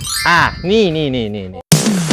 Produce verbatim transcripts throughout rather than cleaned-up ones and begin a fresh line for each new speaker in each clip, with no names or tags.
อ่ะนี่นี่นี่นี่นี่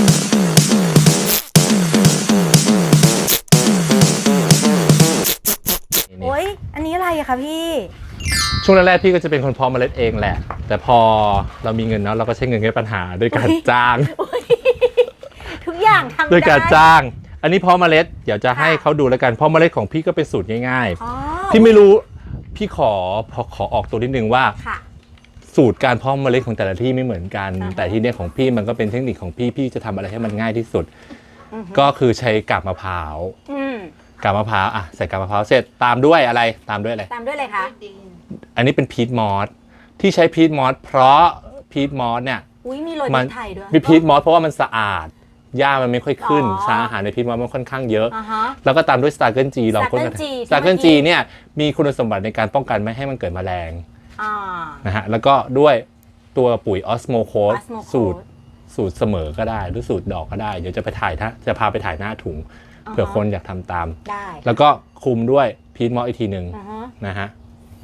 โอ้ยอันนี้อะไรอะคะพี่
ช่วงแรกๆพี่ก็จะเป็นคนเพาะเมล็ดเองแหละแต่พอเรามีเงินเนาะเราก็ใช้เงินแก้ปัญหาด้วยการจ้าง
ทุกอย่างทำได้
ด้วยการจ้างอันนี้เพาะเมล็ดเดี๋ยวจะให้เขาดูแล้วกันเพาะเมล็ดของพี่ก็เป็นสูตรง่ายๆพี่ไม่รู้พี่ขอพอขอออกตัวนิดนึงว่าสูตรการเพาะเมล็ดของแต่ละที่ไม่เหมือนกันแต่ที่เนี่ยของพี่มันก็เป็นเทคนิคของพี่พี่จะทำอะไรให้มันง่ายที่สุดก็คือใช้กาบมะพร้าวกาบมะพร้าวอ่ะใส่กาบมะพร้าวเสร็จตามด้วยอะไรตามด้วยอะไร
ตามด้วยอะไรคะ
อันนี้เป็นพีทมอสที่ใช้พีทมอสเพราะพีทมอสเนี่ย
อุ้ยมีโรยพริกไทยด้วย
มีพีทมอสเพราะว่ามันสะอาดหญ้ามันไม่ค่อยขึ้นสารอาหารในพีทมอสมันค่อนข้างเยอะแล้วก็ตามด้วยสตาร์เกิลจีลองค้นกันสตาร์เกิลจีเนี่ยมีคุณสมบัติในการป้องกันไม่ให้มันเกิดแมลงนะฮะแล้วก็ด้วยตัวปุ๋ยออสโมโคสสูตรสูตรเสมอก็ได้หรือสูตรดอกก็ได้เดี๋ยวจะไปถ่ายจะพาไปถ่ายหน้าถุงเผื่อคนอยากทำตามแล้วก็คุมด้วยพีทมอสอีกทีหนึ่งนะฮะ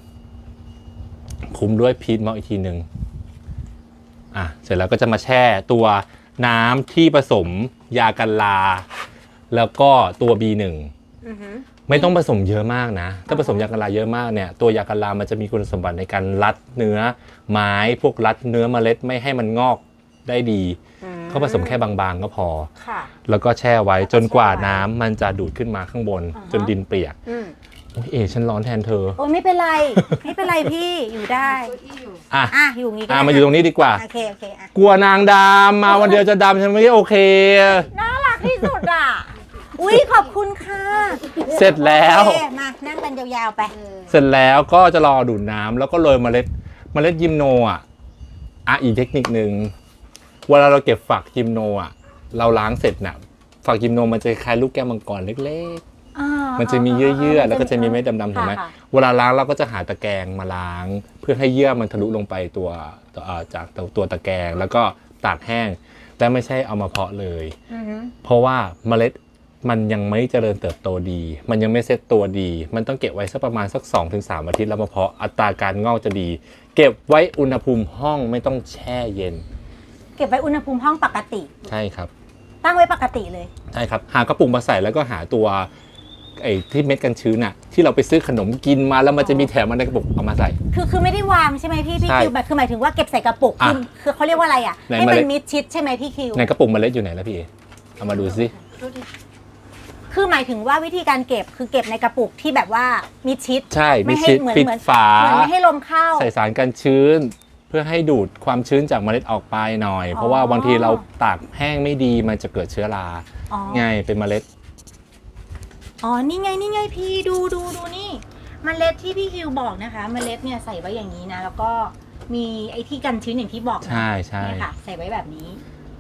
คุมด้วยพีทมอสอีกทีหนึ่งอ่ะเสร็จแล้วก็จะมาแช่ตัวน้ำที่ผสมยากันราแล้วก็ตัว บี หนึ่ง ไม่ต้องผสมเยอะมากนะถ้าผสมยากันราเยอะมากเนี่ยตัวยากันรามันจะมีคุณสมบัติในการรัดเนื้อไม้พวกรัดเนื้อเมล็ดไม่ให้มันงอกได้ดีก็ผสมแค่บางๆก็พอแล้วก็แช่ไว้จนกว่าน้ำมันจะดูดขึ้นมาข้างบนจนดินเปียกโอ้ยเอ๋ฉันร้อนแทนเธอ
โอ้ยไม่เป็นไรไม่เป็นไรพี่อยู่ได้
อ่ะ
อ่ะอยู่งี้ก็
อ่ะมาอยู่ตรงนี้ดีกว่า
โอเคโอเคอ่ะ
กลัวนางดำมาวันเดียวจะดำฉันไม่โอเค
น่ารักที่สุดอ่ะอุ้ยขอบคุณค่ะ
เสร็จแล้ว
มานั่งกันยาวๆไป
เสร็จแล้วก็จะรอดูดน้ำแล้วก็โรยเมล็ดเมล็ดยิมโนอ่ะอ่ะอีกเทคนิคนึงเวลาเราเก็บฝักยิมโนอ่ะเราล้างเสร็จน่ะฝักยิมโนมันจะคล้ายลูกแก้วมังกรเล็กๆมันจะมีเยื่อๆแล้วก็จะมีเม็ดดำๆถูกไหมเวลาล้างเราก็จะหาตะแกรงมาล้างเพื่อให้เยื่อมันทะลุลงไปตัวจากตัวตะแกรงแล้วก็ตากแห้งแต่ไม่ใช่เอามาเพาะเลยเพราะว่าเมล็ดมันยังไม่เจริญเติบโตดีมันยังไม่เซ็ตตัวดีมันต้องเก็บไว้สักประมาณสัก สองถึงสาม อาทิตย์แล้วมาเพาะอัตราการงอกจะดีเก็บไว้อุณหภูมิห้องไม่ต้องแช่เย็น
เก็บไว้อุณหภูมิห้องปกติ
ใช่ครับ
ตั้งไว้ปกติเลย
ใช่ครับหากระปุกมาใส่แล้วก็หาตัวไอ้ที่เม็ดกันชื้นน่ะที่เราไปซื้อขนมกินมาแล้วมันจะมีแถมมาในกระปุกเอามาใส่
คือคือไม่ได้วางใช่ไหมพี่พี่คิวแบบคือหมายถึงว่าเก็บใส่กระปุกคือคือเขาเรียกว่าอะไรอ่ะให้มันมิดชิดใช่ไหมพี่คิว
ในกระปุกเมล็ดอยู่ไหนแล้วพี่เอามาดูสิ
คือหมายถึงว่าวิธีการเก็บคือเก็บในกระปุกที่แบบว่ามิดชิด
ใช่มิดชิดปิดฝา
ไม่ให้ลมเข้า
ใส่สารกันชื้นเพื่อให้ดูดความชื้นจากเมล็ดออกไปหน่อยเพราะว่าบางทีเราตากแห้งไม่ดีมันจะเกิดเชื้อราไงเป็นเมล็ด
อ๋อนี่ไงนี่ไงพี่ดูดูดูนี่เมล็ดที่พี่คิวบอกนะคะเมล็ดเนี่ยใส่ไว้อย่างนี้นะแล้วก็มีไอ้ที่กันชื้นอย่างที่บอก
ใช่ใช่
ค่ะใส่ไว้แบบนี้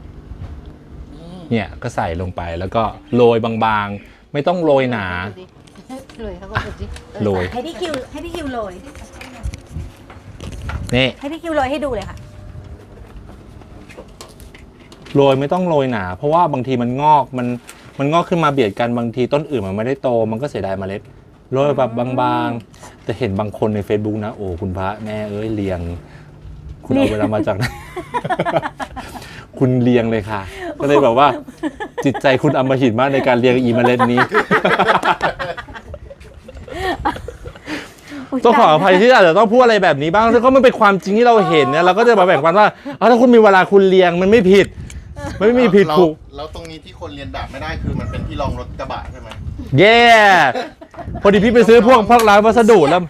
เนี่ยก็ใส่ลงไปแล้วก็โรยบางๆไม่ต้องโรยหนาโรย
ให้พี่คิวให้พี่คิวโรย
นี่
ให้พี่คิวโรยให้ดูเลยค่ะ
โรยไม่ต้องโรยหนาเพราะว่าบางทีมันงอกมันมันงอกขึ้นมาเบียดกันบางทีต้นอื่นมันไม่ได้โตมันก็เสียดายเมล็ดโรยแบบบางๆแต่เห็นบางคนใน Facebook นะโอ้คุณพระแม่เอ้ยเรียงคุณเอาเวลามาจากไหนคุณเรียงเลยค่ะก็เลยแบบว่าจิตใจคุณอำมหิตมากในการเรียงอีเมล็ดนี้ต้องขออภัยที่อาจจะต้องพูดอะไรแบบนี้บ้างแต่ก็มันเป็นความจริงที่เราเห็นเนี่ยเราก็จะมาแบ่งปันว่าถ้าคุณมีเวลาคุณเรียงมันไม่ผิดไม่มีผิดถูก
แล้วตรงนี้ที่คนเรียนแบบไม่ได้คือมันเป็นที่รองรถกระบะใช่ไหม
เย่พอดีพี่ไปซื้อพวกพวกร้านวัสดุแล้ว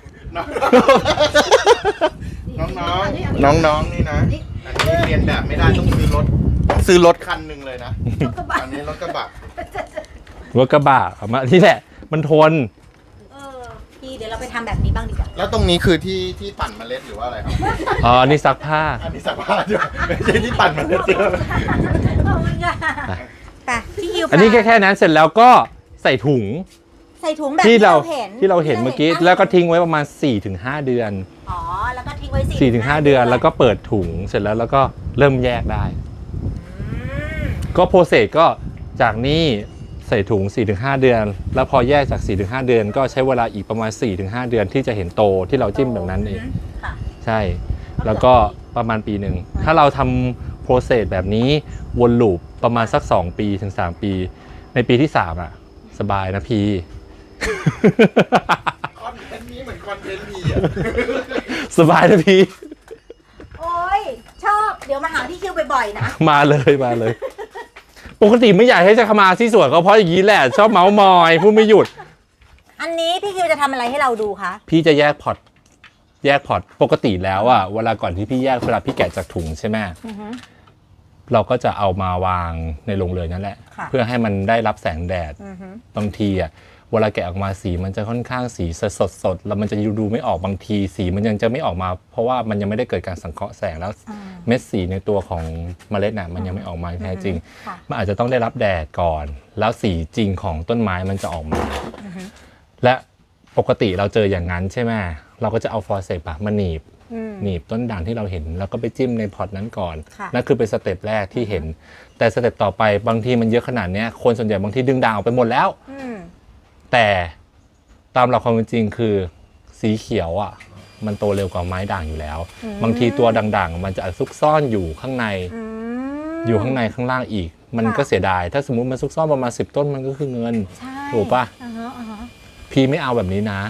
น้องๆน้องๆนี่นะอันนี้เรียนแบบไม่ได้ต้องซื้อรถต้องซื้อรถคันหนึ่งเลยนะอันนี้รถกระบะ
รถกระบะมาที่แหละมันทน
เออพี่เดี๋ยวเราไปทำแบบนี้บ้างดีกว่า
แล้วตรงนี้คือที่ที่ปั่นเมล็ดหรือว่าอะไรครับ
อ๋ออันนี้ซักผ้า
อันนี้ซักผ้าด้วยไม่ใช่ที่ปั่นเมล็ดเจอ
ขอบคุณค่ะแต่พี่คิว
อันนี้แค่แค่นั้นเสร็จแล้วก็ใส่ถุง
ใส่ถุงแบบ
ที่เราเห็นที่เราเห็นเมื่อกี้แล้วก็ทิ้งไว้ประมาณ สี่ถึงห้า เดือน
อ๋อแล้วก็ทิ้งไว้
สี่ถึงห้า เดือนแล้วก็เปิดถุงเสร็จแล้วแล้วก็เริ่มแยกได้ก็โปรเซสก็จากนี้ใส่ถุง สี่ถึงห้า เดือนแล้วพอแยกจาก สี่ถึงห้า เดือนก็ใช้เวลาอีกประมาณ สี่ถึงห้า เดือนที่จะเห็นโตที่เราจิ้มแบบนั้นเองใช่แล้วก็ประมาณปีหนึ่งถ้าเราทำรเซสแบบนี้วนลูปประมาณสักสองปีถึงสามปีในปีที่สามอ่ะสบายนะพี่
คอนเทนต์นี้เหมือนคอนเทนต์พี่อ่ะ
สบายนะพี่
โอ้ยชอบเดี๋ยวมาหาพี่คิวบ่อยๆนะ
มาเลยมาเลย ปกติไม่อยากให้จะเข้ามาที่สวนก็เพราะอย่างนี้แหละชอบเมาส์มอยพูดไม่หยุด
อันนี้พี่คิวจะทำอะไรให้เราดูคะ
พี่จะแยกพอร์ตแยกพอร์ตปกติแล้วอะเวลาก่อนที่พี่แยกเวลาพี่แกะจากถุงใช่ไหม
อือฮึ
เราก็จะเอามาวางในโรงเรือนนั่นแหละ
ค่ะ
เพื่อให้มันได้รับแสงแดด
อือฮึ
บางทีอะเวลาแกะออกมาสีมันจะค่อนข้างสีสดสดๆแล้วมันจะดูไม่ออกบางทีสีมันยังจะไม่ออกมา เพราะว่ามันยังไม่ได้เกิดการสังเคราะห์แสงแล้ว
อ่า
เม็ดสีในตัวของเมล็ดน่ะมันยังไม่ออกมาแท้จริง
ค่ะ
มันอาจจะต้องได้รับแดดก่อน แล้วสีจริงของต้นไม้มันจะออกมา และปกติเราเจออย่างนั้นใช่ไหมเราก็จะเอาฟอร์เซปอะมาหนีบ
อืม
หนีบต้นด่างที่เราเห็นแล้วก็ไปจิ้มในพอร์ตนั้นก่อน
ค่ะ
นั่นคือเป็นสเต็ปแรกที่เห็น แต่สเต็ปต่อไปบางทีมันเยอะขนาดเนี้ยคนส่วนใหญ่บางทีดึงด่างออกไปหมดแล้ว
อืม
แต่ตามหลักความเป็นจริงคือสีเขียวอ่ะมันโตเร็วกว่าไม้ด่างอยู่แล้ว บางทีตัวด่างๆมันจะซุกซ่อนอยู่ข้างใน
อืม
อยู่ข้างในข้างล่างอีก มัน
ค่ะ
ก็เสียดายถ้าสมมุติมันซุกซ่อนประมาณสิบต้นมันก็คือเงิน
ใช่
ถูกปะ
อ่าฮะอ่าฮะ
พี่ไม่เอาแบบนี้นะ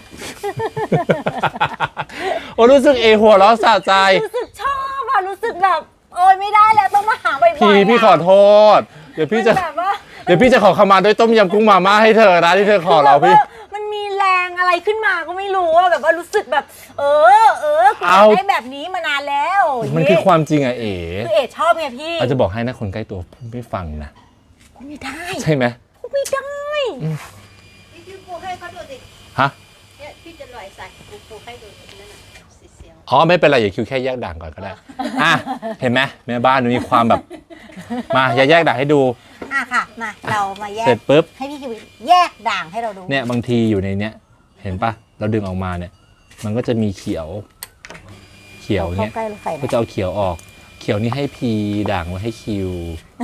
โอ้รู้สึกเอหัวเราะสะใจ
รู้สึกชอบอะรู้สึกแบบโอ้ยไม่ได้แล้วต้องมาหาบ่อยๆ
พี่
อะ
พี่ขอโทษ เดี๋ยวพี่จะ
มันแบบว่า
เดี๋ยวพี่จะขอขมาด้วยต้มยำกุ้งมาม่าให้เธอนะที่เธอขอเราพี่
แบบว่ามันมีแรงอะไรขึ้นมาก็ไม่รู้อะแบบว่ารู้สึกแบบ เออเออกูอยาก
เอา
ได้แบบนี้มานานแล้ว
มันคือความจริงอะเอ๋
คือเอ๋ชอบไงพี่
อาจจะบอกให้นะคนใกล้ตัวพูดไม่ฟังนะ
กูไม่ได้
ใช่ไหม
กูไม่ได้
พี่คิวปลูกให้เขาดูสิ
ฮะ
เนี่ยพี่จะลอยใส่ปลูกปลูกให้ดูนั่นน่ะสีเสียว
อ๋อไม่เป็นไรอย่าคิวแค่แยกด่างก่อนก็ได้อ่ะเห็นไหมแม่บ้านมีความแบบ มาอย่าแยกด่างให้ดู
อ่ะค่ะมาเรามาแย
เสร็
ก
จปุ๊บ
ให้พี่คิวแยกด่างให้เราดู
เนี่ยบางทีอยู่ในเนี้ยเห็นปะเราดึงออกมาเนี่ย มันก็จะมีเขียว เขียว
เข้า
เนี่ย
ใกล้รถไฟ
ก็จะเอาเขียวออก เขียวนี่ให้พีด่างไว้ให้คิว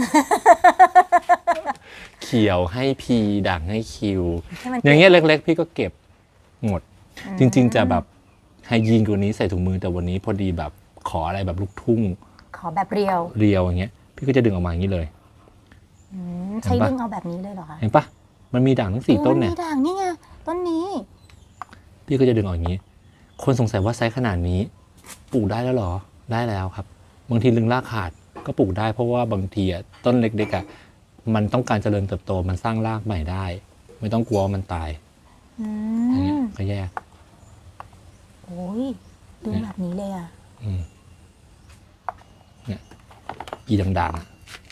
เขียวให้พีด่างให้คิว
ให้มัน
อย่างเงี้ยเล็ก ๆ พี่ก็เก็บหมด จริง ๆ จะแบบไฮยีนกว่านี้ใส่ถุงมือแต่วันนี้พอดีแบบขออะไรแบบลูกทุ่ง
ขอแบบเรียว
เรียวอย่างเงี้ย พี่ก็จะดึงออกมาอย่างนี้เลย
อืมใช้ดึงเอาแบบนี้เลยเหรอคะ
เห็นปะมันมีด่างทั้งสี่ต้นเนี่ย
โอ้มีด่างนี่ไงต้นนี้
พี่ก็จะดึงออกอย่างนี้ คนสงสัยว่าไซส์ขนาดนี้ปลูกได้แล้วเหรอ ได้แล้วครับ บางทีลึงรากขาดก็ปลูกได้เพราะว่าบางทีอะต้นเล็กๆอะมันต้องการเจริญเติบโตมันสร้างรากใหม่ได้ ไม่ต้องกลัวว่ามันตาย
อื
อย่างเงี้ย
ม
ก็แยก
โอ้ยดึงแบบนี้เลยอ่ะ
อืมเนี่ยอีด่างๆอะ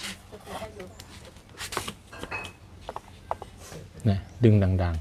เนี่ยดึงด่าง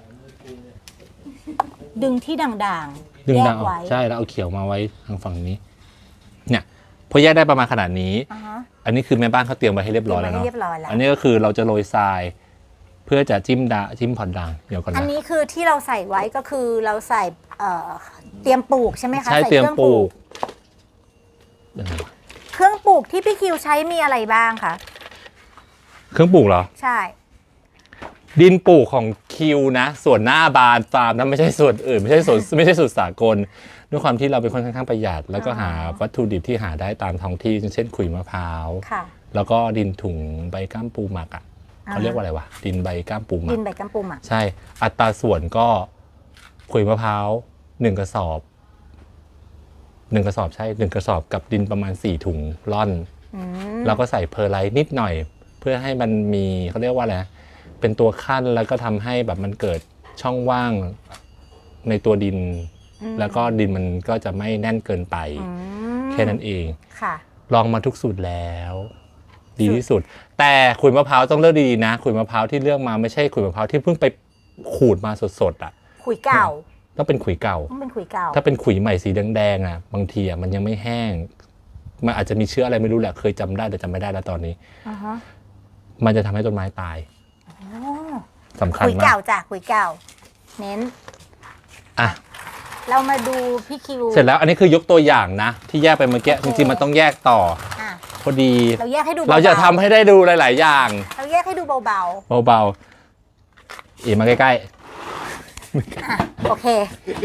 ดึงที่ด่างๆ
ๆดึง
แย
ด่าง
ก
ออก
ไว้
ใช่แล้วเอาเขียวมาไว้ทางฝั่งนี้ เนี่ยพอแยกได้ประมาณขนาดนี้
อ่าฮะ
อันนี้คือแม่บ้านเขาเตรียมไว้ให้เรียบร้อยแล้ว
เตรียมไว้
เนาะ
ให้เรียบร้อยแล้ว
อันนี้ก็คือเราจะโรยทราย เพื่อจะจิ้มดาจิ้มผ่อนด่างเดี๋ยวก่อน
อัน
นะ
นี้คือที่เราใส่ไว้ก็คือเราใส่เอ่อเตรียมปลูกใช่ไหมคะ
ใช้
ใส่
เตรียม
คอง
ปลูกยังไงวะ
เครื่องปลูกที่พี่คิวใช้มีอะไรบ้างคะ
เครื่องปลูกเหรอ
ใช่
ดินปลูกของคิวนะ ส่วนหน้าบานฟาร์มนะไม่ใช่ส่วนอื่น ไม่ใช่ส่วนไม่ใช่สูตรสากล ด้วยความที่เราเป็นคนค่อนข้างประหยัด แล้วก็หาวัตถุดิบที่หาได้ตามท้องที่เช่นขุยมะพร้าว
ค่ะ
แล้วก็ดินถุงใบก้ามปูหมักอ่ะ
อ่า
เขาเรียกว่าอะไรวะดินใบก้ามปูหมั
ดิ
ก
นใบกัมปูหมัก
ใช่ อัตราส่วนก็ขุยมะพร้าวหนึ่งกระสอบหนึ่งกระสอบใช่หนึ่งกระสอบกับดินประมาณสี่ถุงร่อน
อืม
แล้วก็ใส่เพอร์ไลท์นิดหน่อย เพื่อให้มันมีเขาเรียกว่าอะไรนะเป็นตัวขั้นแล้วก็ทำให้แบบมันเกิดช่องว่างในตัวดิน แล้วก็ดินมันก็จะไม่แน่นเกินไป
อืม
แค่นั้นเอง
ค่ะ
ลองมาทุกสูตรแล้ว ดีที่สุด แต่ขุยมะพร้าวต้องเลือกดีๆนะขุยมะพร้าวที่เลือกมาไม่ใช่ขุยมะพร้าวที่เพิ่งไปขูดมาสดๆอ่ะ
ขุยเก่า
ต้องเป็นขุยเก่า
ต้องเป็นขุยเก่า
ถ้าเป็นขุยใหม่สีแดงๆอ่ะบางทีอ่ะมันยังไม่แห้ง มันอาจจะมีเชื้ออะไรไม่รู้แหละเคยจำได้แต่จำไม่ได้แล้วตอนนี้
อ่าฮะ
มันจะทำให้ต้นไม้ตาย
อ๋อ
สำคัญ
ขุย
มา
เก่าก จ้ะขุยเก่า เน้น
อ่ะ
เรามาดูพี่คิว
เสร็จแล้วอันนี้คือยกตัวอย่างนะ ที่แยกไปเมื่อกี้
โอ
จ
เค
ริงๆมันต้องแยกต่อ
อ่ะ
พอดี
เราแยกให้ดูเบาๆ
เราจะทำให้ได้ดูหลาย ๆ อย่าง
เราแยกให้ดูเบา
เบาๆอีกมาใกล้
ๆอ่ะโอเค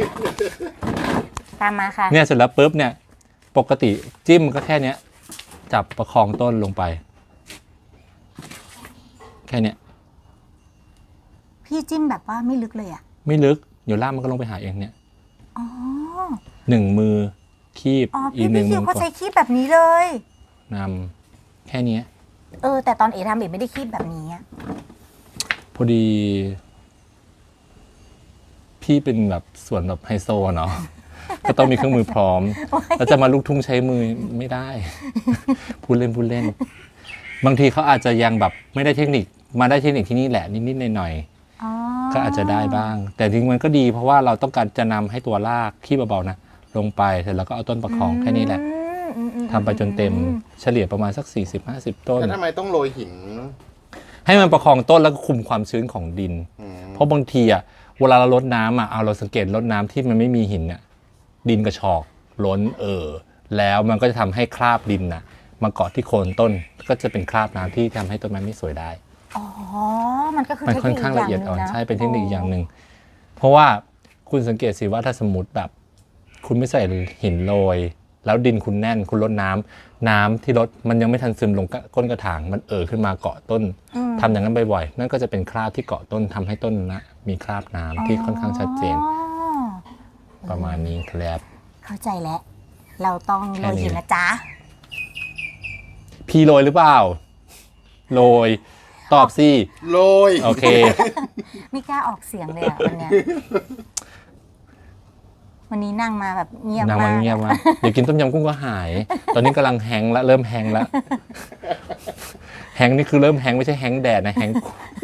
ตามมาค่ะ
ๆเนี่ยเสร็จแล้วปุ๊บเนี่ยปกติจิ้มมันก็แค่เนี้ยจับประคองต้นลงไป แค่เนี้ย
พี่จิ้มแบบว่าไม่ลึกเลยอ่ะ
ไม่ลึกเดี๋ยวล่ากมันก็ลงไปหาเองเนี่ย
อ๋อ
หนึ่งมือคีบ
อ๋อ
อี
พี่
กหนึ่
พี่
ง
คิ
มื
ว
อ
เขา
กด
ใช้คีบแบบนี้เลย
นำแค่เนี้ย
เออแต่ตอนเอทำเอไม่ได้คีบแบบนี้อะ
พอดี พี่เป็นแบบส่วนแบบไฮโซอะเนาะ ก็ต้องมีเครื่องมือพร้อม แล้วจะมาลูกทุ่งใช้มือไม่ได้ พูดเล่นพูดเล่น บางทีเขาอาจจะยังแบบไม่ได้เทคนิคมาได้เทคนิคที่นี่แหละนิดๆหน่อย
อ๋อ
ๆก็อาจจะได้บ้าง แต่จริงๆมันก็ดีเพราะว่าเราต้องการจะนำให้ตัวรากขี้เบาๆนะลงไปเสร็จแล้วก็เอาต้นประคองแค่นี้แหละ
อืมอืม
ทำไปจนเต็มเฉลี่ยประมาณสัก สี่สิบห้าสิบ ต้น
แล้วทำไมต้องโรยหิน
ให้มันประคองต้นแล้วก็คุมความชื้นของดิน
อืม
เพราะบางทีอ่ะเวลาเราลดน้ำอ่ะเอาเราสังเกตลดน้ำที่มันไม่มีหินเนี่ยดินกระชอกล้นเออแล้วมันก็จะทำให้คราบดินน่ะมาเกาะที่โคนต้นก็จะเป็นคราบน้ำที่ทำให้ต้นไม้ไม่สวยได้
อ๋อ มันก็คือ
มัน
เทค
ค่อน
นิค
ข้าง
อ
ละ
ย่าง
เอียด
หนึ
อ่อง น
นะ
ใช่เป็นเทคนิคอย่างหนึ่งเพราะว่าคุณสังเกตสิว่าถ้าสมมติแบบคุณไม่ใส่หินโรยแล้วดินคุณแน่นคุณลดน้ำน้ำที่ลดมันยังไม่ทันซึมลงก้นกระถางมันเอ่อขึ้นมาเกาะต้น
อืม
ทำอย่างนั้นบ่อยๆนั่นก็จะเป็นคราบที่เกาะต้นทำให้ต้นนะมีคราบน้ำที่ค่อนข้างชัดเจน
อ๋อ
ประมาณนี้ครับ
เข้าใจแล้ว เราต้องโรยหินนะจ๊ะ
พี่โรยหรือเปล่าโรยตอบสิ
โรย
โอเค
ไม่กล้าออกเสียงเลยอ่ะวันเนี้ย วันนี้นั่งมาแบบเงียบ
นาง
มา
มัน
ก
เงียบมากเดี๋ยวกินต้มยำกุ้งก็หาย ตอนนี้กำลังแฮงก์ละเริ่มแฮงก์ละแฮงก์นี่คือเริ่มแฮงก์ไม่ใช่แฮงก์แดดนะแฮงก์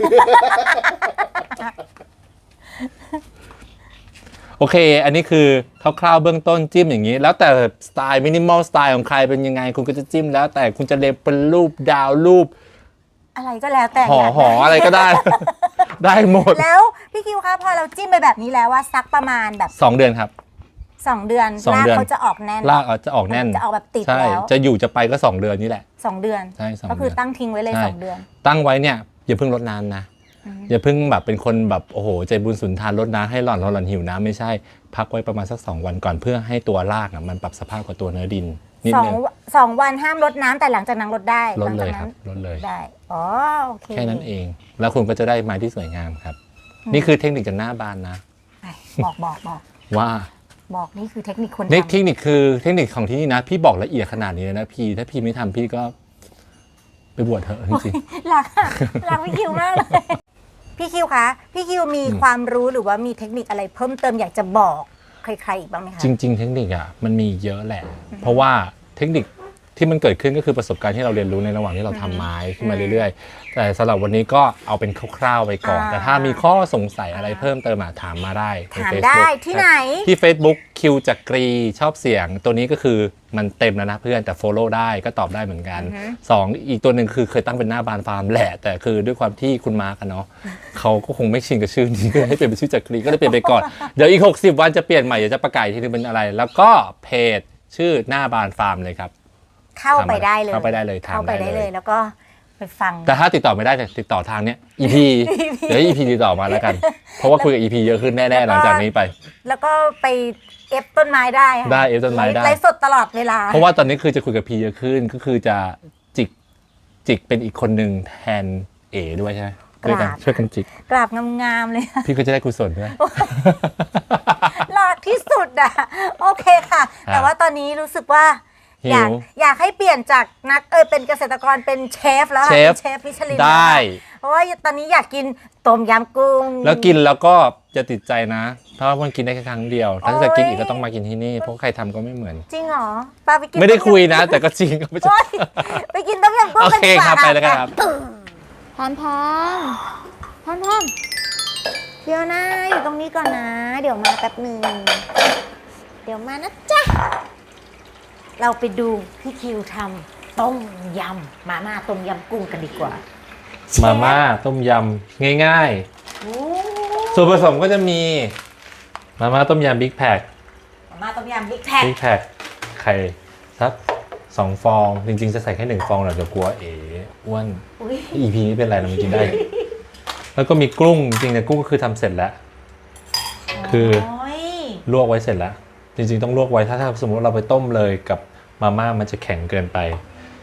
โอเค อันนี้คือคร่าวๆเบื้องต้นจิ้มอย่างนี้ แล้วแต่สไตล์มินิมอลสไตล์ของใครเป็นยังไง คุณก็จะจิ้มแล้ว แต่คุณจะเล็บเป็นรูปดาวรูป
อะไรก็แล้วแต่
ห่อ
อยาก
ห่ออะไรก็ได้ ได้หมด
แล้วพี่คิวคะพอเราจิ้มไปแบบนี้แล้วว่าสักประมาณแบบ
สองเดือนครับ
สองเดือน
สอง
ราก
เดือน
เขาจะออกแน่น
รากอาจจะออกแน่น
จะออกแบบติด
ใช่
แล้ว
จะอยู่จะไปก็สองเดือนนี่แหละ
สองเดือน
ใช่สอง
ก็คือ
เดือน
ตั้งทิ้งไว้เลย
ใช่
สองเดือน
ตั้งไว้เนี่ยอย่าเพิ่งลดน้ำนะ
อืม
อย่าเพิ่งแบบเป็นคนแบบโอ้โหใจบุญสุนทานลดน้ำให้หล่อนหล่อนหิวน้ำไม่ใช่พักไว้ประมาณสักสองวันก่อนเพื่อให้ตัวรากอ่ะมันปรับสภาพกับตัวเนื้อดินนิด
สอง
นึง
สองวันห้ามลดน้ำแต่หลังจากนั้นลดได้
ล
ห
ด
ลัง
เล
จาก
ยค
นั้
รับ
น
ลดเลย
ได้อ๋อโอเค
แค่นั้นเอง แล้วคุณก็จะได้ไม้ที่สวยงามครับ นี่คือเทคนิคจากหน้าบานนะ
ไปบอกบอกบอก
ว่า
บอกนี่คือเทคนิคคน
เทค
ทำ
เทคนิคคือเทคนิคของที่นี่นะ พี่บอกละเอียดขนาดนี้เลยนะพี่ถ้าพี่ไม่ทำพี่ก็ไปบวชเถอะจริง
รักอะรักพี่คิวมากเลย พี่คิวคะพี่คิวมีความรู้หรือว่ามีเทคนิคอะไรเพิ่มเติมอยากจะบอกใครๆอีกบ้างไหมคะ
ๆจริง ๆ เทคนิคอ่ะมันมีเยอะแหละ เพราะว่าเทคนิคที่มันเกิดขึ้นก็คือประสบการณ์ที่เราเรียนรู้ในระหว่างที่เราทำไม้ขึ้นมาเรื่อยๆ แต่สำหรับวันนี้ก็เอาเป็นคร่าวๆไปก่อน
อ่า
แต่ถ้ามีข้อสงสัยอะไรเพิ่มเติมอะถามมาได้ใน
ถาม
Facebook
ได้ที่ไหน
ที่ Facebook คิวจักรีชอบเสียง ตัวนี้ก็คือมันเต็มแล้วนะเพื่อนแต่ follow ได้ก็ตอบได้เหมือนกัน
อือฮึ
สองอีกตัวหนึ่งคือเคยตั้งเป็นหน้าบานฟาร์มแหละ แต่คือด้วยความที่คุณมาร์กันเนาะเขาก็คงไม่ชินกับชื่อนี้ก็เลยให้เปลี่ยนเป็นชื่อจักรีก็เลยเปลี่ยนไปก่อน เดี๋ยวอีกหกสิบวันจะเปลี่ยนใหม่เดี๋ยวจะประกาศอีกทีนึงเป็นอะไร แล้วก็เพจชื่อหน้าบานฟาร์มเลยครับ
เข้าไปได้เลย
เข้าไปได้เลยถาม
เข้าไป
ได้
ได้
เล
เลย ยแล้วก็ไปฟัง
แต่ถ้าติดต่อไม่ได้แต่ติดต่อทางเนี้ย อี พี เดี๋ยว อี พี ติดต่อมาแล้วกัน เพราะว่าคุยกับ อี พี เยอะขึ้นแน่ๆหลังจากนี้ไป
แล้วก็ไปเอฟต้นไม้ได้ค่ะ
ได้เอฟต้นไม้ได้
ไลฟ์สดตลอดเวลา
เพราะว่าตอนนี้คือจะคุยกับพีเยอะขึ้นก็คือจะจิกจิกเป็นอีกคนหนึ่งแทนเอด้วยใช่ไหมช่วยกันช่วยกันจิก
กราบงามๆเลย
พี่ก็จะได้กุศลด้วย
หลากที่สุดอ่ะ โอเคค่ะ แต่ว่าตอนนี้รู้สึกว่า
หิว
อยากอยากให้เปลี่ยนจากนักเออเป็นเกษตรกรเป็นเชฟแล้วค่ะ
เชฟ
เป็นเชฟมิชลิน
ได้
แล้วค่ะเพราะว่าตอนนี้อยากกินต้มยำกุ้ง
แล้วกินแล้วก็จะติดใจนะ เพราะว่ามันกินได้แค่ครั้งเดียว ถ้าจะ
โอ้ย
กินอีกก็ต้องมากินที่นี่ เพราะใครทำก็ไม่เหมือน
จริงเหรอปาไปกิน
ไม่ได้
ต้ยำ
คุยนะ แต่ก็จริงก็ไม่ใช่
โอ๊ยไปกินต้มยำกุ้ง
โอ
กัน
เค
ดีกว่า
ครับไปแล้วกันครับ
พรพรพรพรเดี๋ยวนะอยู่ตรงนี้ก่อนนะ เดี๋ยวมาแป๊บหนึ่งเดี๋ยวมานะจ๊ะเราไปดูพี่คิวทำต้มยำมาม่าต้มยำกุ้งกันดีกว่า
มาม่าต้มยำง่าย
โอ้
ๆ ส่วนผสมก็จะมีมาม่าต้มยำบิ๊กแพค
มาม่าต้มยำบิ๊กแพ็ค
บิ๊กแพคไข่สักสองฟอง จริงๆจะใส่แค่หนึ่งฟองหรอกเดี๋ยวกลัวเอ๋อ้วน
อุ๊ย
อีพีนี้เป็นไรเราไม่กินได้ แล้วก็มีกุ้งจริงๆเนี่ยกุ้งก็คือทำเสร็จแล้ว คือ
โอ้ย
ลวกไว้เสร็จแล้ว จริงๆต้องลวกไว้ถ้าถ้าสมมติเราไปต้มเลยกับมาม่ามันจะแข็งเกินไป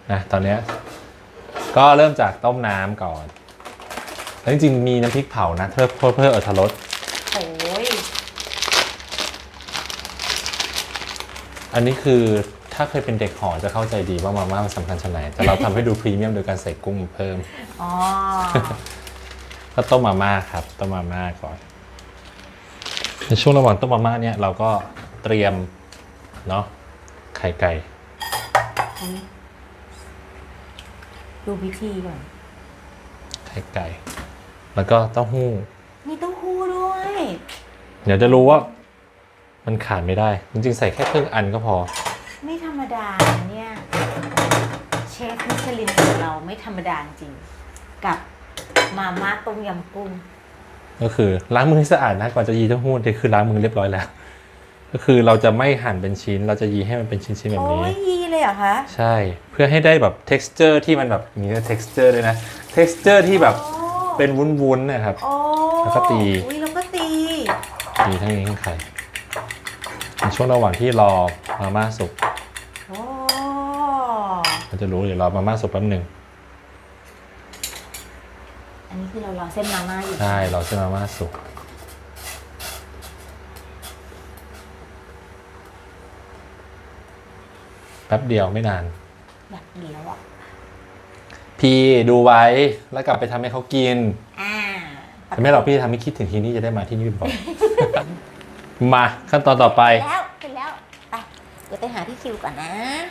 นะตอนเนี้ยก็เริ่มจากต้มน้ำก่อนแล้วจริงๆมีน้ำพริกเผานะเพื่อเพื่อเพื่ออรรถรส
โอ้ย
อันนี้คือถ้าเคยเป็นเด็กหอจะเข้าใจดีว่ามาม่ามันสำคัญชะไหนแต่เราทำให้ดูพรีเมียมโดยการใส่กุ้งเพิ่ม
อ๋อ
ก็ต้มมาม่าครับต้มมาม่าก่อนในช่วงระหว่างต้มมาม่าเนี่ยเราก็เตรียมเนาะไข่ไก่
ดูพิธีก่อน
ไข่ไก่ แล้วก็เต้าหู้
มีเต้าหู้ด้วย
เดี๋ยวจะรู้ว่ามันขาดไม่ได้จริงๆใส่แค่ครึ่งอันก็พอ
ไม่ธรรมดาเนี่ย เชฟมิชลินของเราไม่ธรรมดาจริง กับมาม่าต้มยำกุ้ง
ก็คือล้างมือให้สะอาดนะก่อนจะยีเต้าหู้นี่คือล้างมือเรียบร้อยแล้ว ก็คือเราจะไม่หั่นเป็นชิ้น เราจะยีให้มันเป็นชิ้นๆแบบ
โอ้
นี้
ยยีเลยเหรอคะ
ใช่เพื่อให้ได้แบบ texture ที่มันแบบมี texture ด้วยนะ texture ที่แบบ
โอ้
เป็นวุ้นๆนะครับ
โอ้
แล้วก็ตี
อุ้ยแล้วก็ตี
มีทั้งนี้ทั้งไข่ในช่วงระหว่างที่รอมาม่าสุก
โอ้
เราจะรู้เดี๋ยวรอมาม่าสุกแป๊บหนึ่ง
อันนี้คือเรารอเส้นมาม่าอยู่
ใช่รอเส้นมาม่าสุกแป๊บเดียวไม่นาน
อยากกินแล้วอ่ะ
พี่ดูไว้แล้วกลับไปทำให้เขากิน
อ่า
แต่ไม่หรอกพี่ทำให้คิดถึงทีนี้จะได้มาที่นี่บ่อย มาขั้นตอนต่อไป
แล้วไปแล้วไปเดี๋ยวไปหาพี่คิวก่อนนะ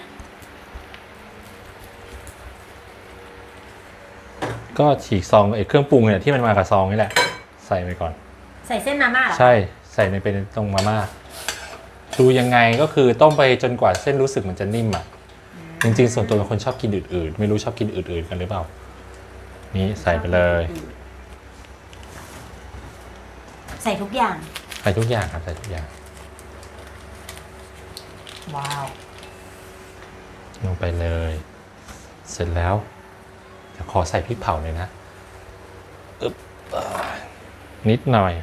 ก็ฉีกซองไอ้เครื่องปรุงเนี่ยที่มันมากับซองนี่แหละ ใส่ไปก่อน
ใส่เส้นมาม่าเหรอ
ใช่ใส่ในเป็นตรงมาม่าดูยังไงก็คือต้มไปจนกว่าเส้นรู้สึกมันจะนิ่มอ่ะจริงๆส่วนตัวเป็นคนชอบกินอืดๆไม่รู้ชอบกินอืดๆกันหรือเปล่านี่ใส่ไปเลย
ใส่ทุกอย่าง
ใส่ทุกอย่างครับใส่ทุกอย่าง
ว้าว
ลงไปเลย เสร็จแล้วเดี๋ยวขอใส่พริกเผาเลยนะอึ๊บอ่านิดหน่อย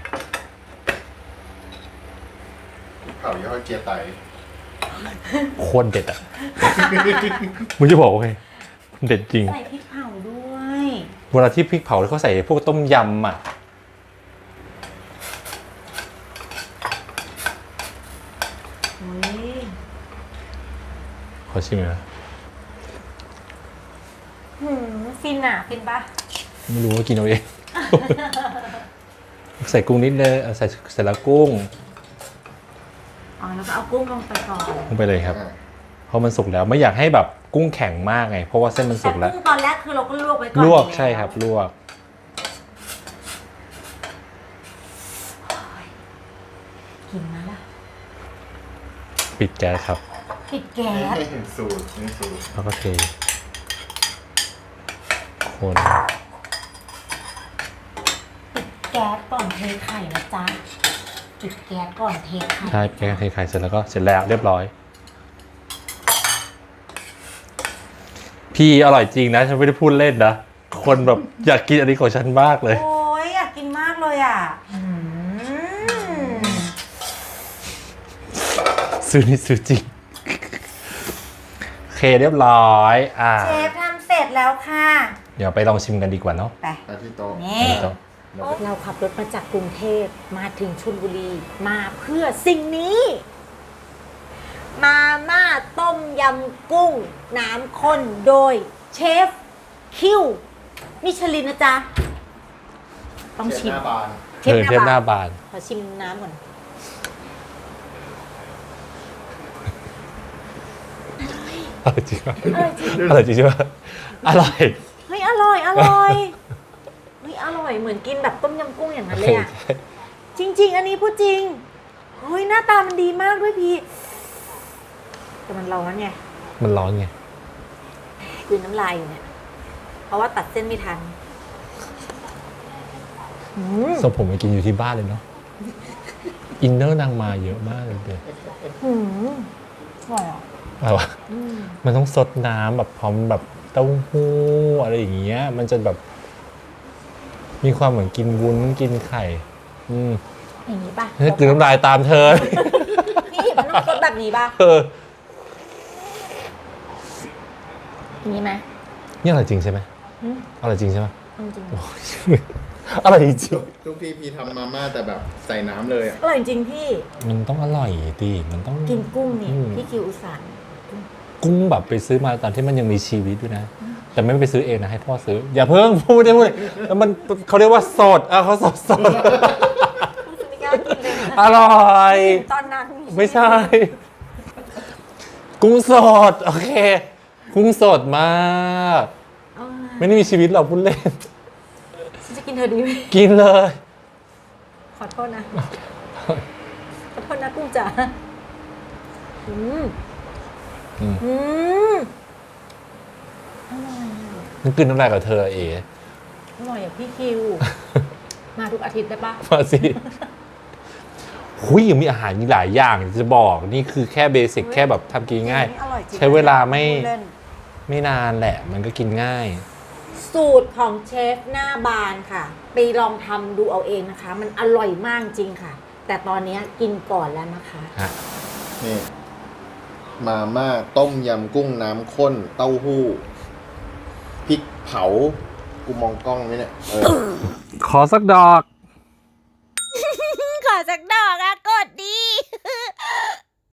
เผาย่อเจียไต
โคตรเด็ดอ่ะ มึงจะบอกว่าไงเด็ดจริง
ใส่พริกเผาด้วย
เวลาที่พริกเผาแล้วเขาใส่พวกต้มยำอ่ะ
โอ้ย
ขอชิมหน่อยนะ
หืมฟินอ่ะ ฟินปะ
ไม่รู้ว่ากินเอาเอง ใส่กุ้งนิดนึงเอาใส่เสร็จแล้วกุ้ง
อ๋อแล้วก็เอากุ้งลงไปก่อน
ลงไปเลยครับ เพราะมันสุกแล้วไม่อยากให้แบบกุ้งแข็งมากไง เพราะว่าเส้นมัน
แต่
สุกแล้ว
กุ้งตอนแรกคือเราก็ลวกไว้ก่อน
ลวก
อยู่แ
ใช่ครับลวก
กินนะล่ะ
ปิดแก๊สครับ
ปิดแก๊ส
ให้เห็นสูตรนี่สูตร
แล้วก็เทคน
แก๊สก่อนเทไข่นะจ๊ะปิดแก๊สก่อนเทไข่
ใช่แก๊สเทไข่เสร็จแล้วก็เสร็จแล้วเรียบร้อย พี่อร่อยจริงนะฉันไม่ได้พูดเล่นนะคนแบบอยากกินอันนี้ของฉันมากเลย
โอ้ยอยากกินมากเลยอ่ะอืม
ซื้อนี่ซื้อจริงโอเคเรียบร้อยอ่า
เชฟทำเสร็จแล้วค่ะ
เดี๋ยวไปลองชิมกันดีกว่าเนาะ
ไป
ไปที่โต๊ะ
นี่
เดี๋ยว
เราขับรถมาจากกรุงเทพมาถึงชลบุรีมาเพื่อสิ่งนี้ มาม่าต้มยำกุ้ง น้ำข้นโดยเชฟคิวมิชลินนะจ๊ะ ต้อง
เช
ชิ
ฟ
ม
หน้าบาน
เช
เอ
ฟ
อเทปห
ห
น้า
น้าบาน
บาน
ขอชิมน้ำก่อน
อร่อยจริงปะ
อร่อยจริง
อร่อยจริงใช่ปะอร่อย
เฮ้ยอร่อยอร่อยเฮ้ยอร่อยเหมือนกินแบบต้มยำกุ้งอย่างนั้นเลยอ่ะ จริง ๆ อันนี้พูดจริงเฮ้ยหน้าตามันดีมากด้วยพี่แต่มันร้อนไง
มันร้อนไง
คือน้ำลายอยู่เนี่ย เพราะว่าตัดเส้นไม่ทันอืม
ส่งผมไปกินอยู่ที่บ้านเลยเนาะอินเนอร์นางมาเยอะมากเลยเด็ด
อืมอร่อยอ่ะ
อะไรวะ
อืม
มันต้องซดน้ำแบบพร้อมแบบเต้าหู้อะไรอย่างเงี้ย มันจะแบบ มีความเหมือนกินวุ้นกินไข่ อืม
อย่างนี้ป่ะ
เฮ้ยกลืนน้ำลายตามเธอ
พี่มันต้องซดแบบนี้ป่ะ
เออ
นี่ไหม
นี่อร่อยจริงใช่ไหม
อืม
อร่อยจริงใช่ไหม
จริง
อร่อยจริง
ทุกทีพีทำมาม่าแต่แบบใส่น้ำเลยอะ
อร่อยจริงพี่
มันต้องอร่อยดิมันต้อง
กินกุ้งนี่
อืม
พี่คิวอุตส่าห์
กุ้งแบบไปซื้อมาตอนที่มันยังมีชีวิตด้วยนะ แต่ไม่ไปซื้อเองนะให้พ่อซื้อ อย่าเพิ่งพูดได้พูดแล้วมันเขาเรียกว่าสดอ่ะเขาสดสด
ไม่กล้ากินเลยนะ
อร่อย
ตอนนั้น
ไม่ใช่ กุ้งสด โอเค กุ้งสดมาก
เอามา
ไม่ได้มีชีวิตหรอกพูดเล่น
ฉันจะกินเธอดีไหม
กินเลย
ขอโทษนะ ขอโทษนะกุ้งจ๋าอืม
อืม
อืม
มันกินน้ำลายกับเธอเอ๋
อร่อยอย่างพี่คิว มาทุกอาทิตย์ได้ปะ
มาสิหุยยังมีอาหารอีกหลายอย่างจะบอก นี่คือแค่เบสิกแค่แบบทำกินง่าย
อร่อยจริง
ใช้เวลาไม่
พูดเล่น
ไม่นานแหละ มันก็กินง่าย
สูตรของเชฟหน้าบานค่ะ ไปลองทำดูเอาเองนะคะ มันอร่อยมากจริงค่ะ แต่ตอนนี้กินก่อนแล้วนะคะ
ฮะ
นี่มาม่าต้มยำกุ้งน้ำข้น เต้าหู้พริกเผา กูมองกล้องไหมเนี่ยเออ
ขอสักดอก
ขอสักด